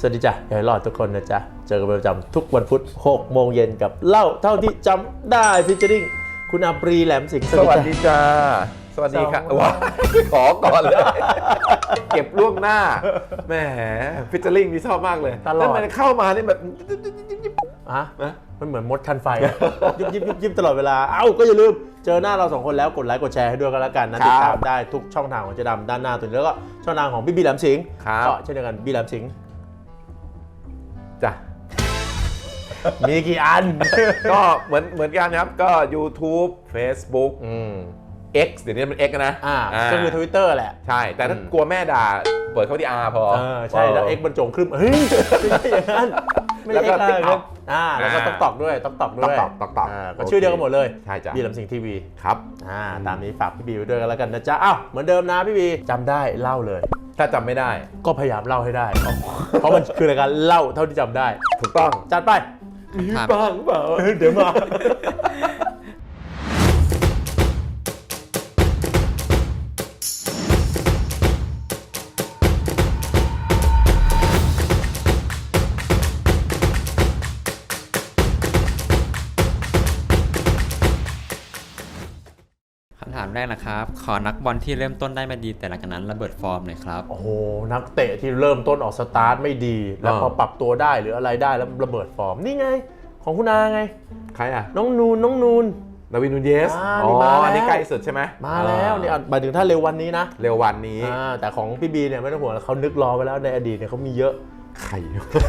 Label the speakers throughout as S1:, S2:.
S1: วัสดีจ้ะอย่าให้รอดทุกคนนะจ๊ะเจอกันเป็นประจำทุกวันพุธ6 โมงเย็นกับเล่าเท่าที่จำได้ฟิชเชอริ่งคุณอาปรีแหลมสิงห์
S2: สวัสดีจ้าสวัสดีครับว้าขอก่อนเลยเก็บล่วงหน้าแหมฟิชเชอริ่งนี่ชอบมากเลยแล้วมันเข้ามานี่แบบ
S1: ฮะมันเหมือนมดคันไฟยิบตลอดเวลาก็อย่าลืมเจอหน้าเรา2 คนแล้วกดไลค์กดแชร์ให้ด้วยกันแล้วกันนะติดตามได้ทุกช่องทางของเจ๊ดำด้านหน้าตัวนี้แล้วก็ช่องทางของพี่บีแหลมสิงห์ก็เช่นเดียวกันบีแหลมสิงห์
S2: จ้ะ
S1: มีกี่อัน
S2: ก็เหมือนกันครับก็ YouTube Facebook X เดี๋ยวนี้มัน X นะ
S1: ก็คือ Twitter แหละ
S2: ใช่แต่ถ้ากลัวแม่ด่าเปิดเข้าที่ R พอ
S1: ใช่แล้ว X บรรจงขึ้นเฮ้ยไม่ใช่อย่างนั้นไม่ใช่ X เลยแล้วก็ต้องตอกด้วยตอกก็ชื่อเดียวกันหมดเลย
S2: ใช่จ้ะ
S1: บีแหลมสิงห์ทีวี
S2: ครับ
S1: ตามนี้ฝากพี่บีไว้ด้วยกันแล้วกันนะจ๊ะเหมือนเดิมนะพี่บีจำได้เล่าเลย
S2: ถ้าจำไม่ได้
S1: ก็พยายามเล่าให้ได้เพราะมันคือรายการเล่าเท่าที่จำได้
S2: ถูกต้อง
S1: จัดไป
S2: มีบ้างเปล่า
S1: เดี๋ยวมา
S3: คำถามแรกนะครับขอนักบอลที่เริ่มต้นได้ไม่ดีแต่หลังจากนั้นระเบิดฟอร์มหน่อยครับ
S1: โอ้โหนักเตะที่เริ่มต้นออกสตาร์ทไม่ดีแล้วพอปรับตัวได้หรืออะไรได้แล้วระเบิดฟอร์มนี่ไงของคุณอาไง
S2: ใคร
S1: น้องนูน
S2: ดาวิน นูเยสอันนี้ใกล้สุดใช่ไหม
S1: มาแล้วนี่หมายถึงถ้าเร็ววันนี้นะ
S2: เร็ววันนี้
S1: แต่ของพี่บีเนี่ยไม่ต้องห่วงเขานึกรอไว้แล้วในอดีตเนี่ยเขามีเยอะ
S2: ใคร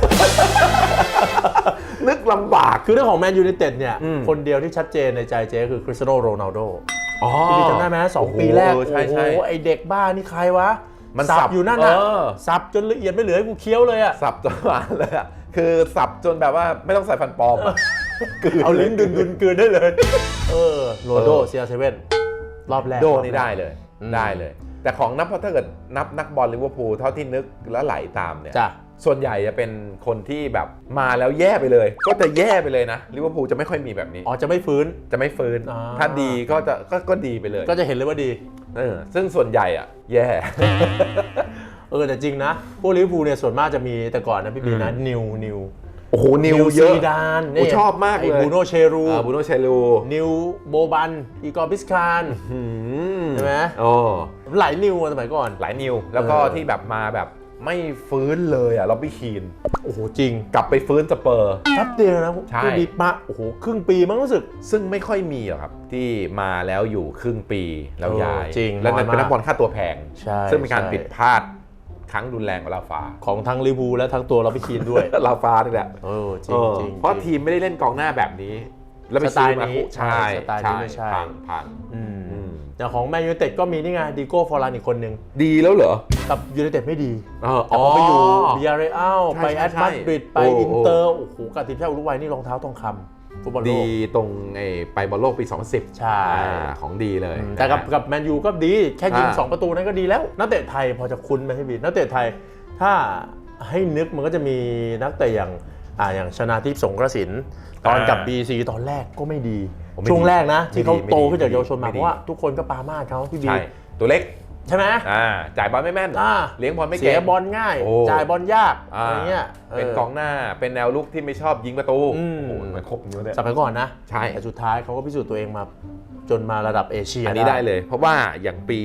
S2: นึกลำบาก
S1: คือเรื่องของแมนยูไนเต็ดเนี่ยคนเดียวที่ชัดเจนในใจเจ๊คือคริสเตียโนโรนัลโดพี่บีจำได้ไหม2 ปีแรกโอ้โหไอเด็กบ้านี่ใครวะ
S2: มัน
S1: สับอยู่นั่นน่ะสับจนละเอียดไม่เหลือให้กูเคี้ยวเลยอะ
S2: สับจนหวานเลยอะคือสับจนแบบว่าไม่ต้องใส่ฟันปลอม
S1: เอาลิ้นดุนกืนได้เลยโรนัลโดCR7รอบแรก
S2: โดนี่ได้เลยแต่ของนับเพราะถ้าเกิดนับนักบอลลิเวอร์พูลเท่าที่นึกแล้วไหลตามเนี่ยส่วนใหญ่จะเป็นคนที่แบบมาแล้วแย่ไปเลยก็จะแย่ไปเลยนะลิเวอร์พูลจะไม่ค่อยมีแบบนี้
S1: จะไม่ฟื้น
S2: ถ้าดีก็ดีไปเลย
S1: ก็จะเห็นเลยว่าดี
S2: ซึ่งส่วนใหญ่อะแย่
S1: แต่จริงนะพวกลิเวอร์พูลเนี่ยส่วนมากจะมีแต่ก่อนนะพี่บีนะนิว
S2: โอ้โหนิวเยอะ
S1: ซีดาน
S2: ชอบมากเลย
S1: บูโนเชรูนิวโบบันอีกอร์บิสคานใช่ไหมหลายนิวสมัยก่อน
S2: หลายนิวแล้วก็ที่แบบมาแบบไม่ฟื้นเลยล็อบบี้คีน
S1: โอ้โหจริง
S2: กลับไปฟื้นสเปอร์
S1: แป๊บเดียวนะพี่บีมาโอ้โหครึ่งปีมั้งรู้สึก
S2: ซึ่งไม่ค่อยมีหรอกครับที่มาแล้วอยู่ครึ่งปีแล้วย้าย
S1: จริง
S2: แล้วเป็นนักบอลค่าตัวแพงซึ่งเป็นการผิดพลาดครั้งรุนแรงของลาฟา
S1: ของทั้งลิเวอร์พูลและทั้งตัวล็อบบี้คีนด้วย
S2: ลาฟานี่แหละ
S1: จริง
S2: เพราะทีมไม่ได้เล่นกองหน้าแบบนี้
S1: แล้วไปซื้อมาใช่
S2: พัง
S1: อย่างของแมนยูไนเต็ดก็มีนี่ไงดิโก้ฟอร์ลานอีกคนนึง
S2: ดีแล้วเหรอ
S1: กับยูไนเต็ดไม่ดีแต่พอไปอยู่บิอาเรอัลไปแอตมาดริดไปอินเตอร์โอ้โหกับทีมชาติอุรุกวัยนี่รองเท้าทองคำฟุตบอลโลก
S2: ดีตรงไปบอลโลกปี2010
S1: ใช่
S2: ของดีเลย
S1: แต่กับแมนยูก็ดีแค่ยิง2 ประตูนั้นก็ดีแล้วนักเตะไทยพอจะคุ้นไหมพี่บีนักเตะไทยถ้าให้นึกมันก็จะมีนักเตะอย่างชนาทิพย์สงกระสินตอนกับ BC ตอนแรกก็ไม่ดีช่วงแรกนะที่เขาโตขึ้นจากเยาวชนมาเพราะว่าทุกคนก็ปามาดเขาพี่บี
S2: ตัวเล็ก
S1: ใช่ไหม
S2: จ่ายบอลไม่แม่นเลี้ยงบอลไม่เก่ง
S1: เสียบอลง่ายจ่ายบอลยากอะไรเงี้ย
S2: เป็นกองหน้าเป็นแนวลุกที่ไม่ชอบยิงประตูมันครบอยู่เนี่ย
S1: สมัยก่อนนะ
S2: ใช่
S1: แต่สุดท้ายเขาก็พิสูจน์ตัวเองมาจนมาระดับเอเชีย
S2: อันนี้ได้เลยเพราะว่าอย่างปี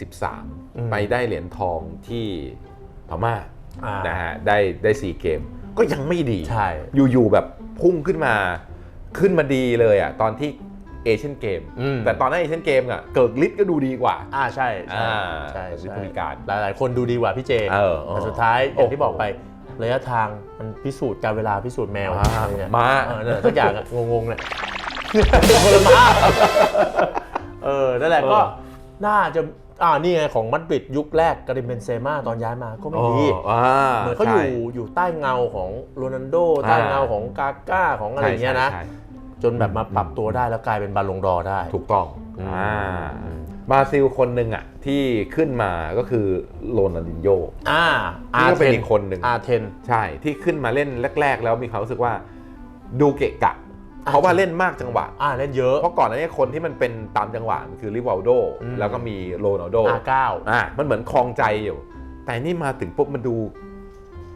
S2: 13ไปได้เหรียญทองที่พม่านะฮะได้4 เกมก็ยังไม่ดีอยู่แบบพุ่งขึ้นมาดีเลยตอนที่เอเชียนเกมแต่ตอนนั้นเอเชียนเกมเกิร์กลิตก็ดูดีกว่า
S1: ใช่
S2: บริการ
S1: หลายคนดูดีกว่าพี่เจแต่สุดท้ายอย่างที่บอกไประยะทางมันพิสูจน์การเวลาพิสูจน์แมว
S2: ม้า
S1: ทุกอย่างงงๆเนี่ยคนละม้านั่นแหละก็น่าจะนี่ไงของมาดริดยุคแรกกาลิมเบนเซม่าตอนย้ายมาก็ไม่ดีเหมือนเขาอยู่ใต้เงาของโรนัลโดใต้เงาของกาก้าของอะไรเงี้ยนะจนแบบมาปรับตัวได้แล้วกลายเป็นบาลงดอร์ได้
S2: ถูกต้องบราซิลคนหนึ่งที่ขึ้นมาก็คือโรนัลดินโญ่นี่ก็เป็นอีกคนหนึ่ง
S1: อาร์เทน
S2: ใช่ที่ขึ้นมาเล่นแรกๆแล้วมีความรู้สึกว่าดูเกะกะเพราะว่าเล่นมากจังหวะ
S1: เล่นเยอะ
S2: เพราะก่อนหน้านี้คนที่มันเป็นตามจังหวะคือริวัลโดแล้วก็มีโรนัลโด
S1: 9
S2: มันเหมือนคลองใจอยู่แต่นี่มาถึงปุ๊บมันดู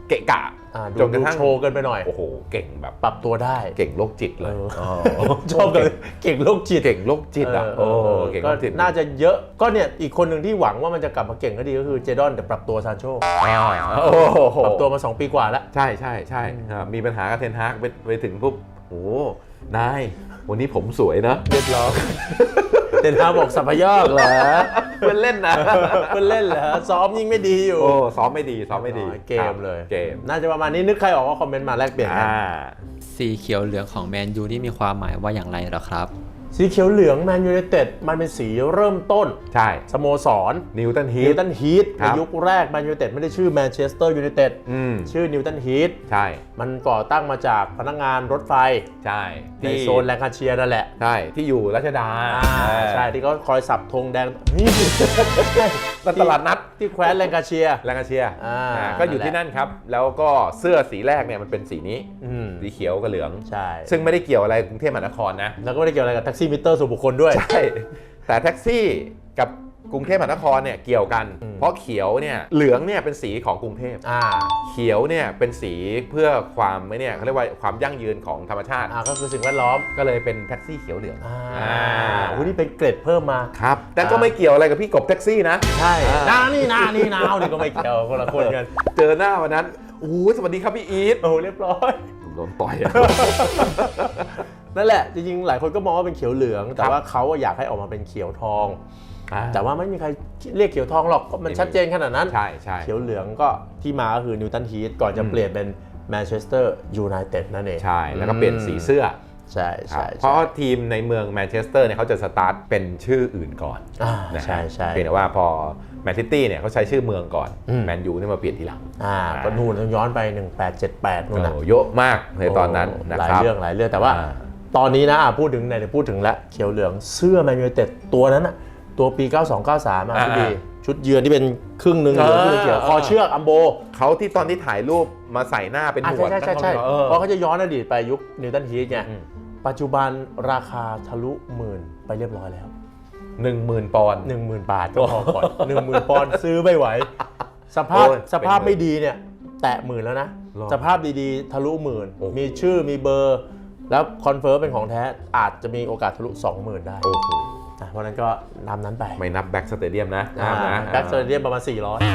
S2: เกะกะจนกระทั่ง
S1: โชว์กันไปหน่อย
S2: โอ้โหเก่งแบบ
S1: ปรับตัวได้
S2: เก่งโรคจิตเลย
S1: ชอบกันเก่งโรคจิต
S2: เก่งโรคจิตอ่ะเก่งโรคจิต
S1: น่าจะเยอะก็เนี่ยอีกคนหนึ่งที่หวังว่ามันจะกลับมาเก่งก็ดีก็คือเจดอนแต่ปรับตัวซานโชปรับตัวมา2 ปีกว่าแล้ว
S2: ใช่ใช่ใช่มีปัญหากับเทนฮากไปถึงปุ๊บโอ้นายวันนี้ผมสวยนะ
S1: เรียบร้อยเทนฮากบอกสัพยอกเหรอ
S2: เพื่อนเล่นนะ
S1: เพื่อนเล่นเหรอซ้อมยิ่งไม่ดีอยู่
S2: ซ้อมไม่ดี
S1: เกมเลย
S2: เกม
S1: น่าจะประมาณนี้นึกใครออกก็คอมเมนต์มาแลกเปลี่ยนกัน
S3: สีเขียวเหลืองของแมนยูนี่มีความหมายว่าอย่างไรเหรอครับ
S1: สีเขียวเหลืองแมนยูไนเต็ดมันเป็นสีเริ่มต้น
S2: ใช่
S1: สโมสร
S2: นิวตันฮีท
S1: ในยุคแรกแมนยูไนเต็ดไม่ได้ชื่อแมนเชสเตอร์ยูไนเต็ดชื่อนิวตันฮีท
S2: ใช่
S1: มันก่อตั้งมาจากพนักงานรถไฟ
S2: ใช่
S1: ในโซนแลงคาเชียร์นั่นแหละ
S2: ใช่ที่อยู่รัชดา
S1: ใช่ที่เขาคอยสับธงแดงนี่
S2: ตลาดนัด
S1: ที่แคว้นแลงคาเชียร์
S2: ก็อยู่ที่นั่นครับแล้วก็เสื้อสีแรกเนี่ยมันเป็นสีนี้สีเขียวกับเหลือง
S1: ใช่
S2: ซึ่งไม่ได้เกี่ยวอะไรกรุงเทพมหานครนะ
S1: แล้วก็ไม่ได้เกี่ยวอะไรกับแท็กซี่มิเตอร์ส่วนบุคคลด้วย
S2: ใช่แต่แท็กซี่กับกรุงเทพมหานครเนี่ยเกี่ยวกันเพราะเขียวเนี่ยเหลืองเนี่ยเป็นสีของกรุงเทพเขียวเนี่ยเป็นสีเพื่อความไม่เนี่ยเขาเรียกว่าความยั่งยืนของธรรมชาติ
S1: ก็คือสิ่งแวดล้อม
S2: ก็เลยเป็นแท็กซี่เขียวเหลือง
S1: นี่เป็นเกรดเพิ่มมา
S2: ครับแต่ก็ไม่เกี่ยวอะไรกับพี่กบแท็กซี่นะ
S1: ใช่นี่ก็ไม่เกี่ยวคนละคนกัน
S2: เจอหน้าวันนั้นสวัสดีครับพี่อีท
S1: เรียบร้อย
S2: โดนต่อย
S1: นั่นแหละจริงๆหลายคนก็มองว่าเป็นเขียวเหลืองแต่ว่าเขาอยากให้ออกมาเป็นเขียวทองแต่ว่าไม่มีใครเรียกเขียวทองหรอกมันชัดเจนขนาดนั้น
S2: ใช่
S1: เขียวเหลืองก็ที่มาก็คือนิวตันฮีทก่อนจะเปลี่ยนเป็นแมนเชสเตอร์ยูไนเต็ดนั่นเอง
S2: ใช่แล้วก็เปลี่ยนสีเสื้อ
S1: ใช่
S2: เพราะทีมในเมืองแมนเชสเตอร์เนี่ยเขาจะสตาร์ทเป็นชื่ออื่นก่อน
S1: ใช่
S2: เพียงแต่ว่าพอแมนซิตี้เนี่ยเขาใช้ชื่อเมืองก่อนแมนยูนี่มาเปลี่ยนทีหลัง
S1: ก็นู่นต้องย้อนไป1878นู่นนะ
S2: เยอะมากในตอนนั้น
S1: นะครับหลายเรื่องแต่ว่าตอนนี้นะพูดถึงแล้วเขียวเหลืองเสื้อแมนยูไนเต็ดตัวนั้นนะตัวปี92-93พี่ดีชุดเยือนที่เป็นครึ่งนึงเหลืองครึ่งเขียวคอเชือกอัมโบ
S2: เขาที่ตอนที่ถ่ายรูปมาใส่หน้าเป็นหนวด
S1: ใช่เพราะเขาจะย้อนอดีตไปยุคนิวตันฮีทไงปัจจุบันราคาทะลุหมื่นไปเรียบร้อยแล้ว
S2: 10,000 ปอนด์
S1: 10,000 บาทก็พอก่อน 10,000 ปอนด์ซื้อไม่ไหวสภาพไม่ดีเนี่ยแตะหมื่นแล้วนะสภาพดีๆทะลุหมื่นมีชื่อมีเบอร์แล้วคอนเฟิร์มเป็นของแท้อาจจะมีโอกาสทะลุ 20,000 ได้เพราะนั้นก็นำนั้นไป
S2: ไม่นับแบ็กสเตเดียมนะ
S1: แบ็กสเตเดียมประมาณ400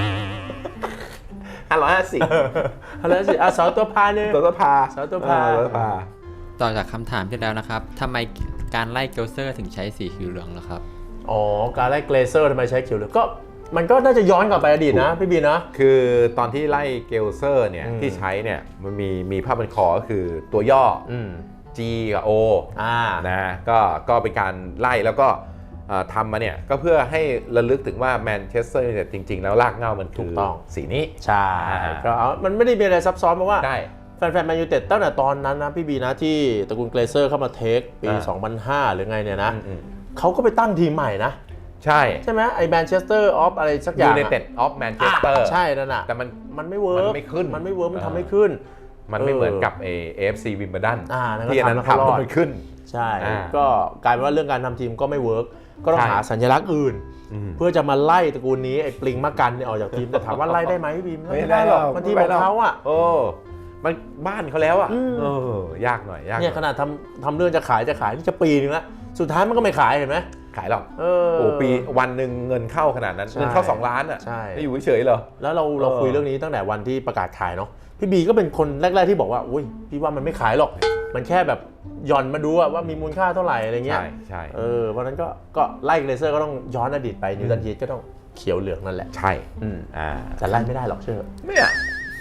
S1: 550เสาตัวพาเนี่ย
S2: ตัวพา
S3: ต่อจากคำถามที่แล้วนะครับทำไมการไล่เกลเซอร์ถึงใช้สีเขียวเหลืองล่ะครับ
S1: การไล่เกลเซอร์ทำไมใช้เขียวเหลืองก็มันก็น่าจะย้อนกลับไปอดีตนะพี่บีนะ
S2: คือตอนที่ไล่เกลเซอร์เนี่ยที่ใช้เนี่ยมันมีภาพเป็นคอก็คือตัวย่อG กับ O นะก็เป็นการไล่แล้วก็ทำมาเนี่ยก็เพื่อให้ระลึกถึงว่าแมนเชสเตอร์เนี่ยจริงๆแล้วรากเหง้ามันคือสีนี้
S1: ใช่ก็มันไม่ได้มีอะไรซับซ้อนเพราะว่าแฟนแมนยูไนเต็ดตั้งแต่ตอนนั้นนะพี่บีนะที่ตระกูลเกลเซอร์เข้ามาเทคปี 2005 หรือไงเนี่ยนะเขาก็ไปตั้งทีมใหม่นะ
S2: ใช่
S1: ไหมไอ้แมนเชสเตอร์ออฟอะไรสักอย่าง
S2: United of Manchester
S1: ใช่นั่นน่ะ
S2: แต่
S1: มันไม่เวิร์ก
S2: มันไม่ขึ้น
S1: มันทำไม่ขึ้น
S2: มันไม่เหมือนกับAFC Wimbledon ที่อันนั้นทำมันขึ้น
S1: ใช่ก็กลายเป็นว่าเรื่องการทำทีมก็ไม่เวิร์กก็ต้องหาสัญลักษณ์อื่นเพื่อจะมาไล่ตระกูลนี้ไอ้ปลิงมะกันเนี่ยออกจากทีมแต่ถามว่าไล่ได้ไหมพี่บีมไม่ได้หรอกมันทีมของเขาอ่ะ
S2: มันบ้านเขาแล้วอ่ะยากหน่อย
S1: เนี่ยขนาดทำเรื่องจะขายนี่จะปีนึงแล้วสุดท้ายมันก็ไม่ขายเห็นไหม
S2: ขายหรอกปีวันหนึ่งเงินเข้าขนาดนั้นเงินเข้า2 ล้านอ่ะไม่อยู่เฉยๆเหรอ
S1: แล้วเราคุยเรื่องนี้ตั้งแต่วันที่ประกาศขายเนาะพี่บีก็เป็นคนแรกๆที่บอกว่าอุ้ยพี่ว่ามันไม่ขายหรอกมันแค่แบบหย่อนมาดูว่ามีมูลค่าเท่าไหร่อะไรเงี้ย
S2: ใช่
S1: เพราะนั้นก็ไล่เกรเซอร์ก็ต้องย้อนอดีตไปนิวตันฮีทก็ต้องเขียวเหลืองนั่นแหละ
S2: ใช่
S1: แต่ไล่ไม่ได้หรอกเชื่อ
S2: ไม่อะ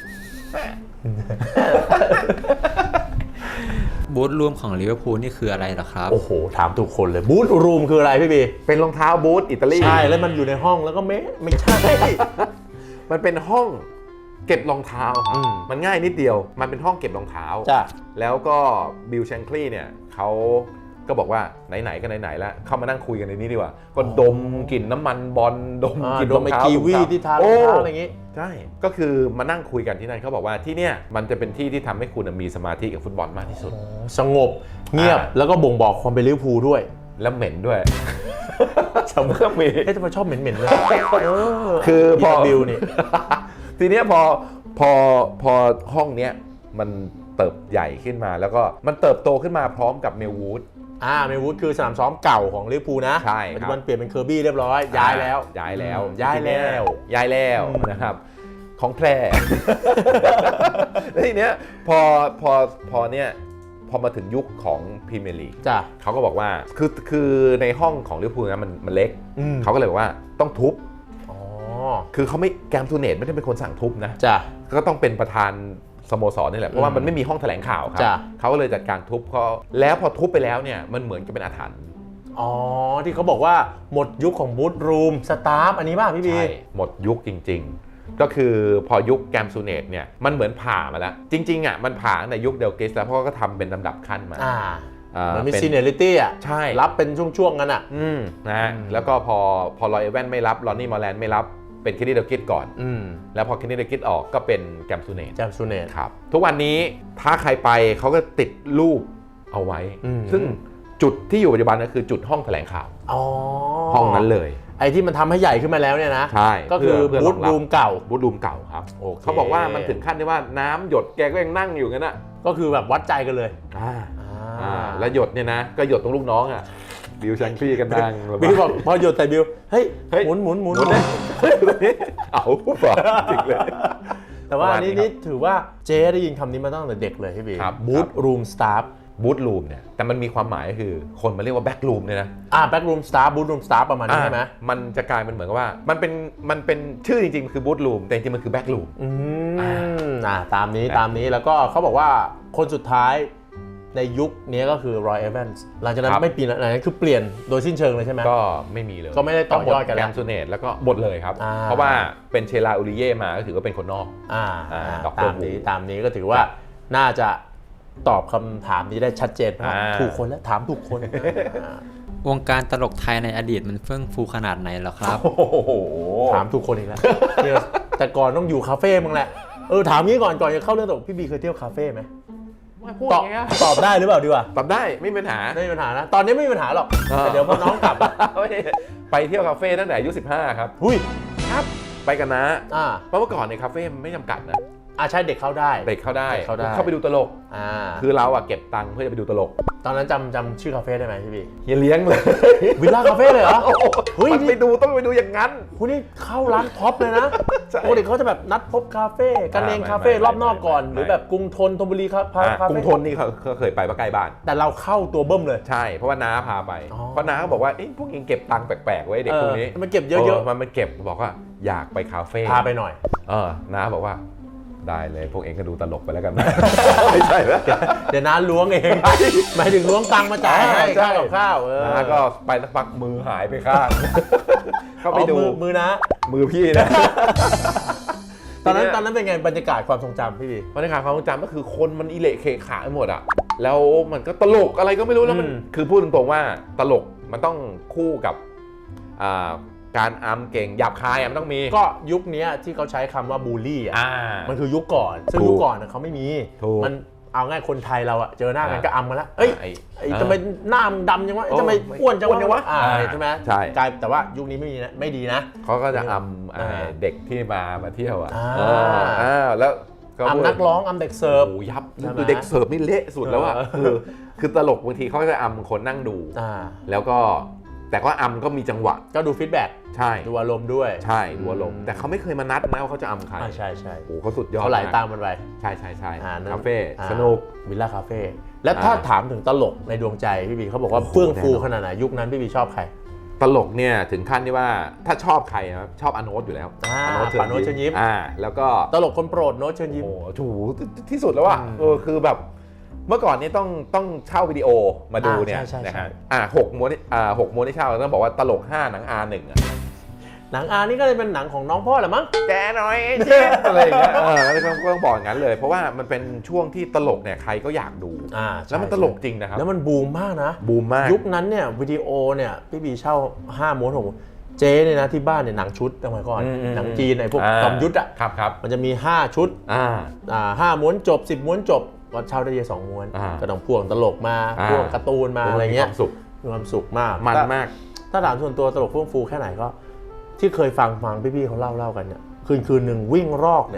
S3: บูทรูมของลิเวอร์พูลนี่คืออะไรเหรอครับ
S1: โอ้โหถามทุกคนเลยบูทรูมคืออะไรพี่บี
S2: เป็นรองเท้าบูทอิตาลี
S1: ใช่แล้วมันอยู่ในห้องแล้วก็ไม่ใช่
S2: มันเป็นห้องเก็บรองเท้ามันง่ายนิดเดียวมันเป็นห้องเก็บรองเท้าแล้วก็บิลแชงคลีย์เนี่ยเขาก็บอกว่าไหนๆก็ไหนๆแล้วเข้ามานั่งคุยกันในนี้ดีกว่าก็ดมกลิ่นน้ำมันบอลดมกลิ่นรองเท้า
S1: กีวีที่ทารองเท้าอะไรอย่างงี้
S2: ใช่ก็คือมานั่งคุยกันที่นั่นเขาบอกว่าที่เนี่ยมันจะเป็นที่ที่ทำให้คุณมีสมาธิกับฟุตบอลมากที่สุด
S1: สงบเงียบแล้วก็บ่งบอกความเป็นลิเวอร์พูลด้วย
S2: แล้วเหม็นด้วย
S1: ชมก็มีทำไมชอบเหม็นๆเลย
S2: คือพอ
S1: บิลนี่
S2: ทีนี้พอพอห้องเนี้ยมันเติบใหญ่ขึ้นมาแล้วก็มันเติบโตขึ้นมาพร้อมกับเมลวูด
S1: เมลวูดคือสนามซ้อมเก่าของลิเวอร์พูลนะ
S2: ใช่
S1: ปัจจุบันเปลี่ยนเป็นเคอร์บี้เรียบร้อยย้ายแล้ว
S2: นะครับของแพร่ แล้วทีเนี้ยพอเนี่ยพอมาถึงยุคของพรีเมียร์ลีกเขาก็บอกว่าคือในห้องของลิเวอร์พูลนะมันเล็กเขาก็เลยบอกว่าต้องทุบคือเขาไม่แกมทูเนตไม่ได้เป็นคนสั่งทุบนะก็ต้องเป็นประธานสโมสรนี่แหละเพราะว่ามันไม่มีห้องแถลงข่าวครับเขาก็เลยจัดการทุบเขาแล้วพอทุบไปแล้วเนี่ยมันเหมือนกับเป็นอาถรรพ์
S1: ที่เขาบอกว่าหมดยุคของบูธรูมสตาฟอันนี้ป่ะพี่บี
S2: ใช่หมดยุคจริงๆก็คือพอยุคแกมซูเนตเนี่ยมันเหมือนผ่ามาแล้วจริงๆอ่ะมันผ่าในยุคเดลกิสแล้วเพราะก็ทำเป็นลำดับขั้นมา
S1: มันมีซีเนียริตี้
S2: ใช่
S1: รับเป็นช่วงๆกันอ่ะ
S2: นะฮะแล้วก็พอลอยเอเวนไม่รับลอนนี่มอร์แลนด์ไม่รับเป็นเคนนี่เดลกิสก่อนแล้วพอเคนนี่เดลกิสออกก็เป็นแกมซูเนตครับทุกวันนี้ถ้าใครไปเขาก็ติดรูปเอาไว้ซึ่งจุดที่อยู่ปัจจุบันก็คือจุดห้องแถลงข่าวห้องนั้นเลย
S1: ไอ้ที่มันทำให้ใหญ่ขึ้นมาแล้วเนี่ยนะ
S2: ใช่
S1: ก็คือบูธรูมเก่า
S2: ครับเขาบอกว่ามันถึงขั้นที่ว่าน้ำหยดแกก็ยังนั่งอยู่งั้นน่ะ
S1: ก็คือแบบวัดใจกันเลย
S2: แล้วหยดเนี่ยนะก็หยดตรงลูกน้องอ่ะบิวแชงคลี่กันนั่ง
S1: บิวบอกพอหยดแต่บิวเฮ้ยหมุน
S2: เอาป่ะจริงเลย
S1: แต่ว่านี่ถือว่าเจ๊ได้ยินคำนี้มาตั้งแต่เด็กเลยพี่บีบูธรูมสตาฟ
S2: บูธรูมเนี่ยแต่มันมีความหมายก็คือคนมาเรียกว่าแบ็กรูมเนี่ยนะ
S1: แบ็กรูมสตาฟบูธรูมสตาฟประมาณนี้ใช่ไหม
S2: มันจะกลายเป็นเหมือนกับว่ามันเป็นชื่อจริงๆคือบูธรูมแต่จริงๆมันคือแบ็กรูม
S1: ตามนี้แล้วก็เขาบอกว่าคนสุดท้ายในยุคนี้ก็คือรอยเอเวนส์หลังจากนั้นไม่ปีนั้นคือเปลี่ยนโดยสิ้นเชิงเลยใช่ไหม
S2: ก็ไม่มีเลย
S1: ก็ไม่ได้ต่อยอดกันแล้ว
S2: แกมซูเนตแล้วก็หมดเลยครับเพราะว่าเป็นเชลาอูริเย่มาก็ถือว่าเป็นคนนอก
S1: ตามนี้ก็ถือว่าน่าจะตอบคำถามนี้ได้ชัดเจนถูกคนแล้วถามถูกคน
S3: วงการตลกไทยในอดีตมันเฟื่องฟูขนาดไหนหรอครับ
S1: ถามถูกคนอีกแล้วแต่ก่อนต้องอยู่คาเฟ่มึงแหละถามงี้ก่อนจะเข้าเรื่องตลกพี่บีเคยเที่ยวคาเฟ่ไหมตอบได้หรือเปล่าดีกว่า
S2: ตอบได้ไม่มีปัญหา
S1: นะตอนนี้ไม่มีปัญหาหรอกแต่เดี๋ยวพอน้องกลับ
S2: ไปเที่ยวคาเฟ่ตั้งแต่อายุ15ครับครับไปกันนะเพราะเมื่อก่อนในคาเฟ่ไม่จำกัดนะ
S1: ใช่เด็กเข้าได้
S2: เข้าไปดูตลกคือเราเก็บตังค์เพื่อจะไปดูตลก
S1: ตอนนั้นจำชื่อคาเฟ่ได้ไหมพี่บี
S2: เฮียเลี้ยงเลย
S1: วิลล่าคาเฟ่เลยเหรอ
S2: มันไปดูต้องไปดูอย่างนั้น
S1: คุณนี่เข้าร้านท็อปเลยนะปกติเขาจะแบบนัดพบคาเฟ่กันเองคาเฟ่รอบนอกก่อนหรือแบบกรุงธนบุรีครับ
S2: กรุงธนนี่เขาเคยไปใกล้บ้าน
S1: แต่เราเข้าตัวเบิ้มเลย
S2: ใช่เพราะว่าน้าพาไปเพราะน้าเขาบอกว่าพวกเองเก็บตังค์แปลกๆไว้เด็กพวกนี้
S1: มันเก็บเยอะ
S2: ๆมันเก็บบอกว่าอยากไปคาเฟ่
S1: พาไปหน่อย
S2: น้าบอกว่าได้เลยพวกเองก็ดูตลกไปแล้วกันไม่ใช่แล้ว
S1: เดี๋ยวน้าล้วงเองหมายถึงล้วงตังค์มาจ่ายให้ค่ากับข้าว
S2: น้าก็ไปสักพักมือหายไปข้าง
S1: เข้าไปดูมือนะ
S2: มือพี่นะ
S1: ตอนนั้นเป็นไงบรรยากาศความทรงจำพี่
S2: บรรยากาศความทรงจำก็คือคนมันอิเละเคขาไปหมดอ่ะแล้วมันก็ตลกอะไรก็ไม่รู้แล้วมันคือพูดตรงๆว่าตลกมันต้องคู่กับการอัมเก่งหยาบคายมันต้องมี
S1: ก็ยุคนี้ที่เขาใช้คำว่าบูลลี่มันคือยุคก่อนซึ่งยุคก่อนเขาไม่มีมันเอาง่ายคนไทยเราเจอหน้ากันก็อัมกันแล้วทำไมหน้ามึงดำจังวะทำไมอ้วนจังวะใช่ไหม
S2: ใช่
S1: แต่ว่ายุคนี้ไม่ดีนะ
S2: เขาก็จะอัมเด็กที่มาเที่ยวแล้ว
S1: อัมนักร้องอัมเด็กเสิร์ฟ
S2: ยับคือเด็กเสิร์ฟนี่เละสุดแล้วคือตลกบางทีเขาจะอัมคนนั่งดูแล้วก็แต่ก็อัมก็มีจังหวะ
S1: ก็ดูฟีดแบ็ก
S2: ใช่
S1: ดูอารมณ์ด้วย
S2: ใช่ดูอารมณ์แต่เขาไม่เคยมานัดนะว่าเขาจะอัมใคร
S1: ใช่
S2: โอ้เขาสุดยอด
S1: เขาไหลตามมันไป
S2: ใช่คาเฟ่สนุก
S1: วิลล่าคาเฟ่แล้วถ้าถามถึงตลกในดวงใจพี่บีเขาบอกว่าเฟื่องฟูขนาดไหนยุคนั้นพี่บีชอบใคร
S2: ตลกเนี่ยถึงขั้นที่ว่าถ้าชอบใครครับชอบอโนตอยู่แล้ว
S1: โน้ตเชิญยิ้ม
S2: แล้วก็
S1: ตลกคนโปรดโน้ตเชิญยิ้ม
S2: โอ้ถูที่สุดแล้วคือแบบเมื่อก่อนนี้ต้องเช่าวิดีโอมาดูเนี่ยนะฮะ6 ม้วนที่เช่าต้องบอกว่าตลก5หนัง R1
S1: หนัง R นี่ก็เลยเป็นหนังของน้องพ่อแหละมั้ง
S2: แกน้อยเจ๊อะไรอย่างเงี้ยก็ต้องบอกอย่างนั้นเลยเพราะว่ามันเป็นช่วงที่ตลกเนี่ยใครก็อยากดูแล้วมันตลกจริงนะครับ
S1: แล้วมันบูมมากนะ
S2: บูมมาก
S1: ยุคนั้นเนี่ยวิดีโอเนี่ยพี่บีเช่า5 ม้วน6 ม้วนเจ๊เนี่ยนะที่บ้านเนี่ยหนังชุดตั้งแต่ก่อนหนังจีนไอ้พวกจอมยุทธ
S2: ครับ
S1: มันจะมี5 ชุด5 ม้วนจบ10 ม้วนจบก็เช่าได้2 ม้วนก็ต้องพ่วงตลกมาพ่วงการ์ตูนมาอะไรเงี้ยมีความสุขมาก
S2: มันมาก
S1: ถ้าถามส่วนตัวตลกเฟื่องฟูแค่ไหนก็ที่เคยฟังพี่ๆเขาเล่ากันเนี่ยคืนหนึ่งวิ่งรอกเนี่ย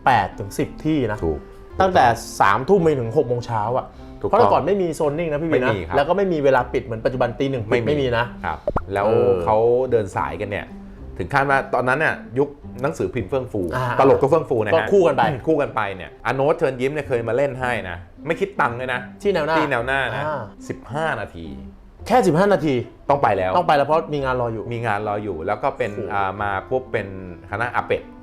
S1: 8 ถึง 10 ที่นะ
S2: ถูก
S1: ตั้งแต่ 3 ทุ่มไปถึง 6 โมงเช้าอ่ะ เพราะแต่ก่อนไม่มีโซนนิ่งนะพี่วีนะแล้วก็ไม่มีเวลาปิดเหมือนปัจจุบันตี 1ไม่มีนะครับ
S2: แล้วเขาเดินสายกันเนี่ยถึงขั้นว่าตอนนั้นเนี่ยยุคหนังสือพิมพ์เฟื่องฟูตลกก็เฟื่องฟูนะฮะ
S1: ก็คู่กันไป
S2: เนี่ยอโนตเชิญยิ้มเนี่ยเคยมาเล่นให้นะไม่คิดตังค์เลยนะ
S1: ที่แนวหน้า
S2: นะ15 นาที
S1: แค่15 นาที
S2: ต้องไปแล้ว
S1: เพราะมีงานรออยู่
S2: แล้วก็เป็นมาปุ๊บเป็นคณะอาเป็ด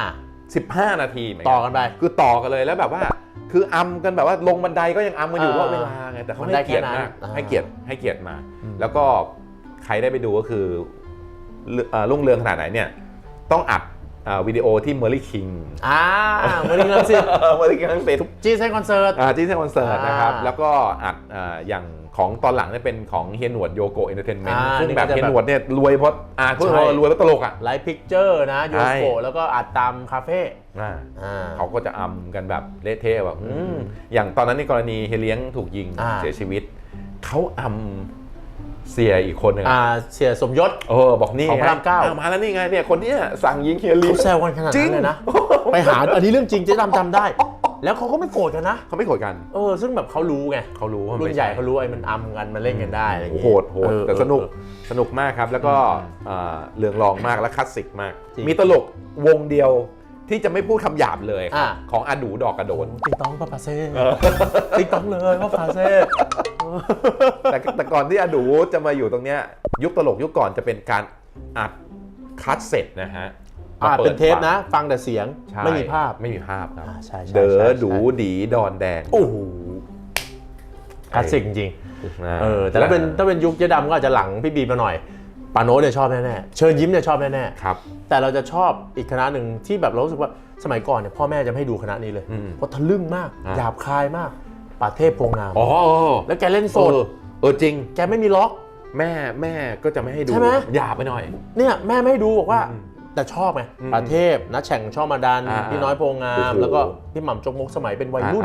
S2: 15 นาที
S1: ต่อกันไป
S2: คือต่อกันเลยแล้วแบบว่าคืออัมกันแบบว่าลงบันไดก็ยังอัมกันอยู่ว่าเวลาไงแต่เขาให้เกียรติมากให้เกียรติมาแล้วก็ใครได้ไปดูก็คือรุ่งเรืองขนาดไหนเนี่ยต้องอัดวิดีโอที่เมอร์ลี่คิง
S1: เมอร์ลี่คิง
S2: จีเซนคอนเสิร์ตนะครับ
S1: แ
S2: ล้วก็อัดอย่างของตอนหลังเนี่ยเป็นของเฮียหนวดโยโกะเอนเตอร์เทนเมนต์ซึ่งแบบเฮียหนวดเนี่ยรวยเพราะพวกเรารวยเพราะตลก
S1: ไลฟ์พิกเจอร์นะโยโกะแล้วก็อัดตามคาเฟ่
S2: เขาก็จะอัมกันแบบเละเทะแบบอย่างตอนนั้นในกรณีเฮเลี้ยงถูกยิงเสียชีวิตเขาอัมเสียอีกคนหนึ่ง
S1: เสียสมยศ
S2: บอกนี่
S1: ของพระราม 9
S2: มาแล้วนี่ไงเนี่ยคนนี้สั่งยิงเฮียเลี้ยง
S1: เขาแซวกันขนาดนั้นเลยนะไปหาอันนี้เรื่องจริงเจ๊ดำจำได้แล้วเขาก็ไม่โกรธกันนะ
S2: เขาไม่โกรธกัน
S1: ซึ่งแบบเขารู้ไงรุ่นใหญ่เขารู้ไอ้มันอัมกันมันเล่นกันได้อะไรอย่างเงี้ย
S2: โหดแต่สนุกมากครับแล้วก็เรื่องรองมากและคลาสสิกมากมีตลกวงเดียวที่จะไม่พูดคำหยาบเลยของอาดูดอกกระโดน
S1: ติ๊กต้องป้าเซ่ติ๊กต้องเลยป้าเซ่
S2: แต่ก่อนที่อาดูจะมาอยู่ตรงเนี้ยยุคตลกยุคก่อนจะเป็นการอัดคัสเซ็ตนะฮะ
S1: เป็นเทปนะฟังแต่เสียงไม่มีภาพ
S2: ครับเด๋อดูดีดอนแดง
S1: โอ้โหคลาสสิกจริงแต่ถ้าเป็นยุคเจ๊ดำก็อาจจะหลังพี่บีมาหน่อยปาโน้ตเนี่ยชอบแน่ๆเชิญยิ้มเนี่ยชอบแน่
S2: ๆครับ
S1: แต่เราจะชอบอีกคณะหนึ่งที่แบบเรารู้สึกว่าสมัยก่อนเนี่ยพ่อแม่จะไม่ให้ดูคณะนี้เลยเพราะทะลึ่งมากหยาบคายมากป่าเทพโพงงามแล้วแกเล่นโซน
S2: จริง
S1: แกไม่มีล็อก
S2: แม่ก็จะไม่ให้ดูหยาบไปหน่อย
S1: เนี่ยแม่ไม่ให้ดูบอกว่าแต่ชอบไงป่าเทพนะแฉ่งช่อมาดันพี่น้อยโพงงามแล้วก็พี่หม่ำจกมกสมัยเป็นวัยรุ่น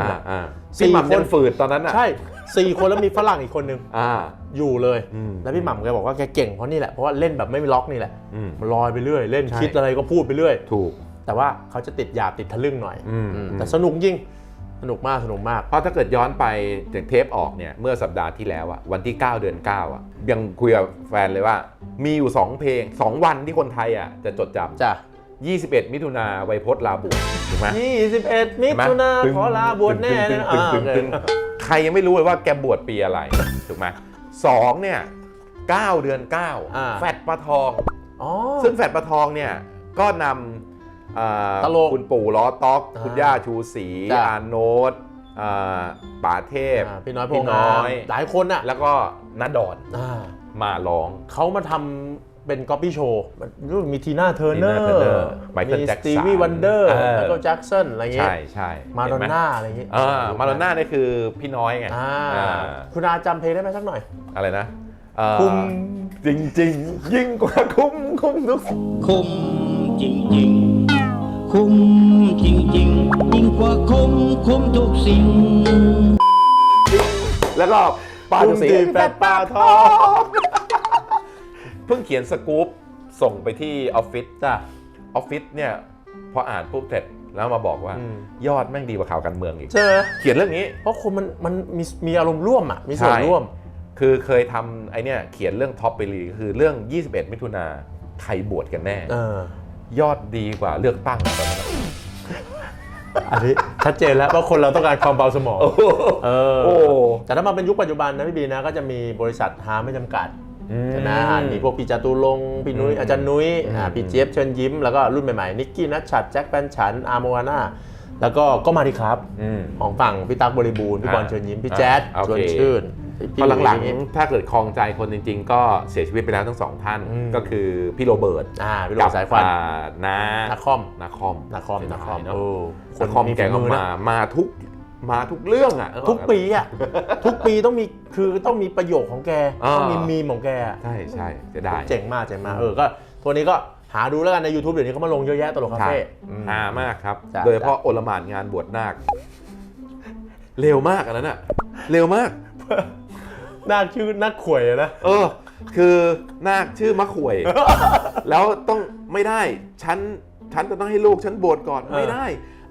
S2: 4 คนฝืดตอนนั้น
S1: ใช่4 คนแล้วมีฝรั่งอีกคนนึงอยู่เลยแล้วพี่หม่ำแกบอกว่าแกเก่งเพราะนี่แหละเพราะว่าเล่นแบบไม่มีล็อกนี่แหละมันลอยไปเรื่อยเล่นคิดอะไรก็พูดไปเรื่อย
S2: ถูก
S1: แต่ว่าเขาจะติดหยาบติดทะลึ่งหน่อยแต่สนุกจริงสนุกมาก
S2: เพราะถ้าเกิดย้อนไปจากเทปออกเนี่ยเมื่อสัปดาห์ที่แล้ววันที่9 เดือน 9ยังคุยกับแฟนเลยว่ามีอยู่2เพลง2วันที่คนไทยจะจดจำ21 มิถุนาไวยพจน์ลาบวชถูกไหม
S1: 21 มิถุนาขอลาบวชแน่
S2: ใครยังไม่รู้เลยว่าแกบวชปีอะไรถูกไหม2เนี่ย9 เดือน 9แฟดปลาทองซึ่งแฟดปลาทองเนี่ยก็นำคุณปู่ล้อต๊อกคุณย่าชูศรีอาโนตป๋าเทพ
S1: พี่น้อยโพงงามหลายคน
S2: แล้วก็ณดอนมาร้อง
S1: เขามาทำเป็นก๊อปปี้โชว์มีทีน่าเทอร์เนอร์มีสตีวีวันเดอร์ไมเคิลแจ็คสันอะไรเงี้ย
S2: ใช่
S1: มาดอนน่าอะไรเงี้ย
S2: มาดอนน่านี่คือพี่น้อยไง
S1: คุณอาจำเพลงได้ไหมสักหน่อย
S2: อะไรนะคุ้มจริงๆยิ่งกว่าคุ้มทุก
S4: คุ้มจริงๆคุ้มจริงๆยิ่งกว่าคุ้มทุกสิ่ง
S2: แล้วก็ปลาดุสี
S1: แฟดปลาทอง
S2: เพิ่งเขียนสกู๊ปส่งไปที่ออฟฟิศออฟฟิศเนี่ยพออ่านปุ๊บเสร็จแล้วมาบอกว่ายอดแม่งดีกว่าข่าวการเมืองอีกเขียนเรื่องนี้
S1: เพราะคนมันมีอารมณ์ร่วมมีส่วนร่วม
S2: คือเคยทำไอเนี่ยเขียนเรื่องท็อปไปเลยคือเรื่อง21 มิถุนาใครบวชกันแน่ยอดดีกว่าเลือกตั้งตอนนั้น
S1: อันนี้ชัดเจนแล้วว่าคนเราต้องการความเบาสมองแต่ถ้ามาเป็นยุคปัจจุบันนะพี่บีนะก็จะมีบริษัทหาไม่จำกัดใช่ไหมมีพวกพี่จตุรงค์พี่นุ้ยอาจารย์นุ้ยพี่เจี๊ยบเชิญยิ้มแล้วก็รุ่นใหม่ๆนิกกี้นัชชัดแจ็คแฟนฉันอาร์โมวาน่าแล้วก็มาดีครับของฝั่งพี่ตั๊กบริบูรณ์พี่บอลเชิญยิ้มพี่แจ๊ดชวนชื่น
S2: พอหลังๆถ้าเกิดคลองใจคนจริงๆก็เสียชีวิตไปแล้วทั้งสองท่านก็คือพี่โรเบิร์ต
S1: กับ
S2: สายควัน
S1: นาคอม
S2: นาคอมแกก็มาทุกเรื่อง
S1: ทุกปีต้องมีประโยคของแกต้องมีมีมของแก
S2: ใช่จะได้
S1: เจ๋งมากก็ตัวนี้ก็หาดูแล้วกันใน YouTube เดี๋ยวนี้เขามาลงเยอะแยะตลกคาเฟ่
S2: หามากครับโดยเฉพาะโอลหม่านงานบวชนาคเร็วมากอันนั้นเร็วมาก
S1: นาคชื่อนาคข่วยนะ
S2: คือนาคชื่อมะข่วยแล้วต้องไม่ได้ฉันจะต้องให้ลูกฉันบวชก่อนไม่ได้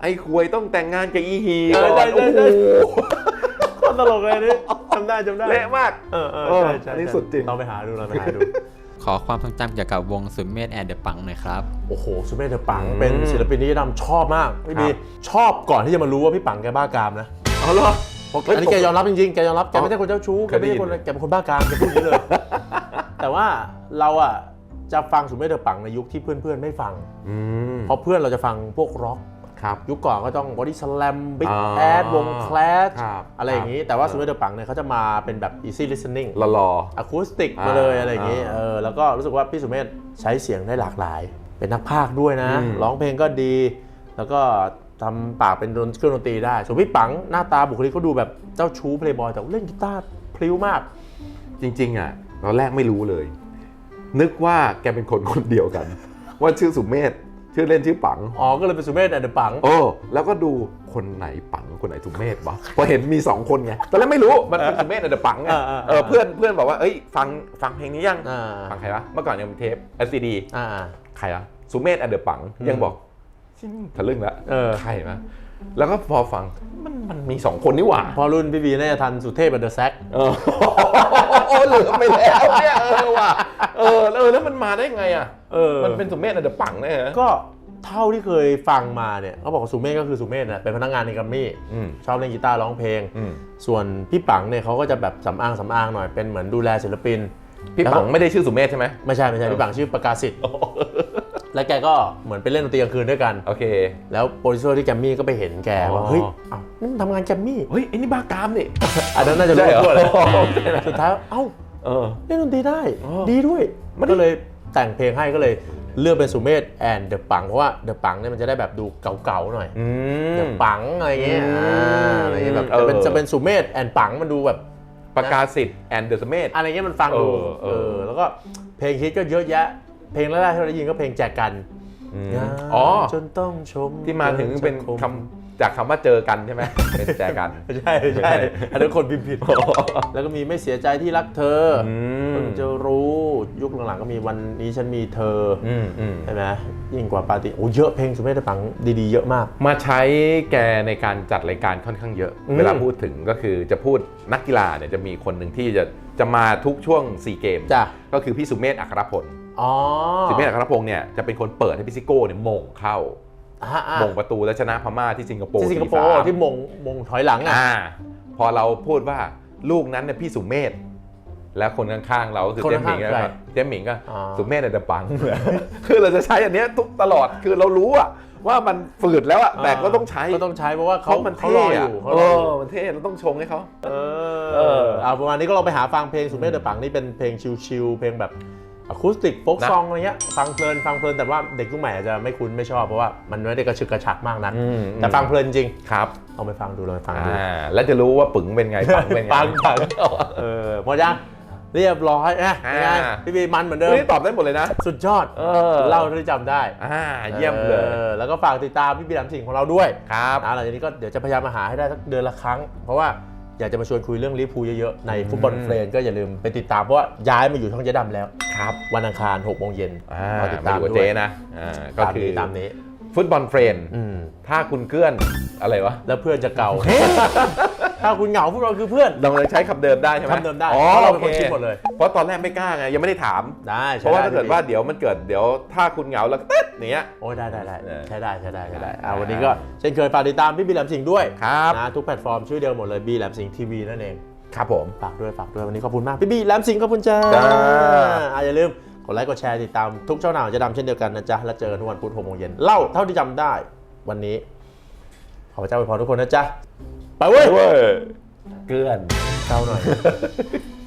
S2: ไอ้ควยต้องแต่งงานกับอีฮี
S1: ใช่
S2: ก่อน
S1: ใช่ใช่
S2: โอ้โห
S1: โคตรตลกเลยนี่จำได้
S2: เละมาก
S1: ใช่ใช่
S2: อันนี้สุดจริง
S1: เราไปหาดูเราไปหาดู
S3: ขอความทรงจำเกี่ยวกับวงสุดเมธแอนด์เดอะปังหน่อยครับ
S1: โอ้โหสุเมธเดอะปังเป็นศิลปินที่ดำชอบมากพี่บีชอบก่อนที่จะมารู้ว่าพี่ปังแกบ้ากามนะ
S2: เอาเหรอ
S1: อันนี้แกยอมรับจริงๆแกยอมรับแกไม่ใช่คนเจ้าชู้แกไม่ใช่คนแกเป็นคนบ้ากามแกพูดอย่างนี้เลย แต่ว่าเราอ่ะจะฟังสุเมธเดอะปังในยุคที่เพื่อนๆไม่ฟังเพราะเพื่อนเราจะฟังพวกร็อก
S2: ครับ
S1: ยุคก่อนก็ต้อง Body Slam Big
S2: อ๋อ
S1: Ass วง Clash
S2: ครับ
S1: อะไรอย่างนี้ แต่ว่าสุเมธเดอะปังเนี่ยเขาจะมาเป็นแบบ easy listening
S2: หล่อ
S1: อะคูสติกมาเลยอะไรอย่างนี้แล้วก็รู้สึกว่าพี่สุเมธใช้เสียงได้หลากหลาย เป็นนักพากย์ด้วยนะ ร้องเพลงก็ดี แล้วก็ทำปากเป็นเครื่องดนตรีได้ ส่วนพี่ปังหน้าตาบุคลิกเขาดูแบบเจ้าชู้เพลย์บอยแต่เล่นกีตาร์พลิ้วมาก
S2: จริงๆอ่ะตอนแรกไม่รู้เลย นึกว่าแกเป็นคนคนเดียวกัน ว่าชื่อสุเมธชื่อเล่นชื่อปัง
S1: อ๋อ ก็เลยเป็นสุเมธแอนด์เดอะปัง
S2: โอ้แล้วก็ดูคนไหนปังคนไหนสุเมธวะพอเห็นมี2คนไงตอนแรกไม่รู้มันเป็นสุเมธกับเดอะปังไงเพื่อนบอกว่าเอ้ยฟังเพลงนี้ยังฟังใครวะเมื่อก่อนยังมีเทป LCD ใครวะสุเมธกับเดอะปังยังบอกทะลึ่งแล้วใครวะแล้วก็พอฟังมันมี2คนนี่หว่า
S1: พอรุ่นพี่บีน่าจะทันสุเทพกับเดอะแซก
S2: โอ้เหลือไปแล้วเนี่ยว่ะแล้วมันมาได้ไงอ่ะมันเป็นสุเมธกับเดอะปังแน่ฮะ
S1: ก็เท่าที่เคยฟังมาเนี่ยเขาบอกว่าสุเมธก็คือสุเมธนะเป็นพนักงานในกัมมี่ชอบเล่นกีตาร์ร้องเพลงส่วนพี่ปังเนี่ยเขาก็จะแบบสำอางหน่อยเป็นเหมือนดูแลศิลปิน
S2: พี่ปังไม่ได้ชื่อสุเมธใช่ไหม
S1: ไม่ใช่พี่ปังชื่อประกาศสิทธิ์และแกก็เหมือนไปเล่นดนตรีกลางคืนด้วยกัน
S2: โอเค
S1: แล้วโปรดิวเซอร์ที่แกมมี่ก็ไปเห็นแกว่าเฮ้ยอ้าวนี่ทำงานแกมมี่
S2: เฮ้ยไอ้นี่บ้ากามนี่
S1: อันนั้นน่าจะรู้ตัวเลยสุดท้ายเอ้าเล่นดนตรีได้ดีด้วยมันก็เลยแต่งเพลงให้ก็เลยเลือกเป็นสุเมธแอนด์เดอะปังเพราะว่าเดอะปังเนี่ยมันจะได้แบบดูเก่าๆหน่อยเดอะปังอะไรเงี้ยแบบจะเป็นสุเมธแอนด์ปังมันดูแบบ
S2: ประกาศสิทธิ์แอนด์เดอะสุเมธ
S1: อะไรเงี้ยมันฟังดูแล้วก็เพลงฮิตก็เยอะแยะเพลงแรกๆที่เราได้ยินก็เพลงแจกกันจนต้องชม
S2: ที่มาถึงเป็นคำจากคำว่าเจอกันใช่ไหมเป็นแจกัน
S1: ใช่อันนั้นคนพิมพ์ผิดแล้วก็มีไม่เสียใจที่รักเธอเพิ่งจะรู้ยุคหลังๆก็มีวันนี้ฉันมีเธอใช่ไหมยิ่งกว่าปาร์ตี้โอ้เยอะเพลงสุเมธปังดีๆเยอะมาก
S2: มาใช้แกในการจัดรายการค่อนข้างเยอะเวลาพูดถึงก็คือจะพูดนักกีฬาเนี่ยจะมีคนหนึ่งที่จะมาทุกช่วง4เกมก็คือพี่สุเมธอัครพลสุเมธอัครพงศ์เนี่ยจะเป็นคนเปิดให้พี่ซิโก้เนี่ยมงเข้ามงประตูและชนะพม่าที่สิงคโปร์
S1: ที่มงถอยหลัง
S2: พอเราพูดว่าลูกนั้นเนี่ยพี่สุเมธแล้วคนข้างๆเราก็คือเจมหมิงก็สุเมธเนี่ยจะปังคือเราจะใช้อันนี้ทุกตลอดคือเรารู้ว่ามันฝืดแล้วแต่ก็ต้องใช้
S1: เพราะว่าเขารออยู่
S2: มันเท่เราต้องชงให้เขา
S1: ประมาณนี้ก็ลองไปหาฟังเพลงสุเมธเดอะปังนี่เป็นเพลงชิลๆเพลงแบบอะคูสติกโฟล์กซองอะไรเงี้ยฟังเพลินแต่ว่าเด็กรุ่นใหม่อาจจะไม่คุ้นไม่ชอบเพราะว่ามันไม่ได้กระชึกกระชักมากนักแต่ฟังเพลินจริง
S2: ครับ
S1: เอาไปฟังดูเลยฟังดู
S2: แล้วจะรู้ว่าปึ๋งเป็นไงปังเป็นไง
S1: ปังหมดยังเรียบร้อยยังไงพี่บีมันเหมือนเดิม
S2: นี่ตอบได้หมดเลยนะ
S1: สุดยอดเล่าที่จำได้
S2: เยี่ยมเลย
S1: แล้วก็ฝากติดตามพี่บีดำสิ่งของเราด้วย
S2: ครับ
S1: หลังจากนี้ก็เดี๋ยวจะพยายามมาหาให้ได้สักเดือนละครั้งเพราะว่าอยากจะมาชวนคุยเรื่องลิเวอร์พูลเยอะๆในฟุตบอลเฟรนด์ก็อย่าลืมไปติดตามเพราะว่าย้ายมาอยู่ช่องเจ๊ดำแล้ว
S2: ครับ
S1: วันอังคาร 6 โมงเย็น
S2: ติดตามด้วยนะก็คือ
S1: ตามนี้
S2: ฟุตบอลเฟรนด์ถ้าคุณเกื้อนอะไรวะ
S1: แล้วเพื่อนจะเก่าถ้าคุณเหงาพวกเราคือเพื่อน
S2: เราเลยใช้คำเดิมได้ใช่ไหม
S1: คำเดิมได้เพราะเราเป็นคนคิดหมดเลย
S2: เพราะตอนแรกไม่กล้าไงยังไม่ได้ถาม
S1: ได้
S2: เพราะว่าถ้าเกิดว่าเดี๋ยวมันเกิดเดี๋ยวถ้าคุณเหงาแล้วก็เต๊ดเนี้ย
S1: โอ้ได้ใช้ได้วันนี้ก็เช่นเคยฝากติดตามพี่บีแหลมสิงห์ด้วยนะทุกแพลตฟอร์มชื่อเดียวหมดเลยบีแหลมสิงห์ทีวีนั่นเอง
S2: ครับผม
S1: ฝากด้วยวันนี้ขอบคุณมากพี่บีแหลมสิงห์ขอบคุณจ้าอย่าลืมกดไลค์กดแชร์ติดตามทุกช่องทางจะดำเช่นเดียวกันนะจ๊ะแล้วเจอกันทุกวันพุธ 6 โมงเย็นเล่าเท่าที่จำได้วันนี้ขอพระเจ้าอวยพรทุกคนนะจ๊ะไปเว้ย
S2: เกื้อน
S1: เก้าหน่อย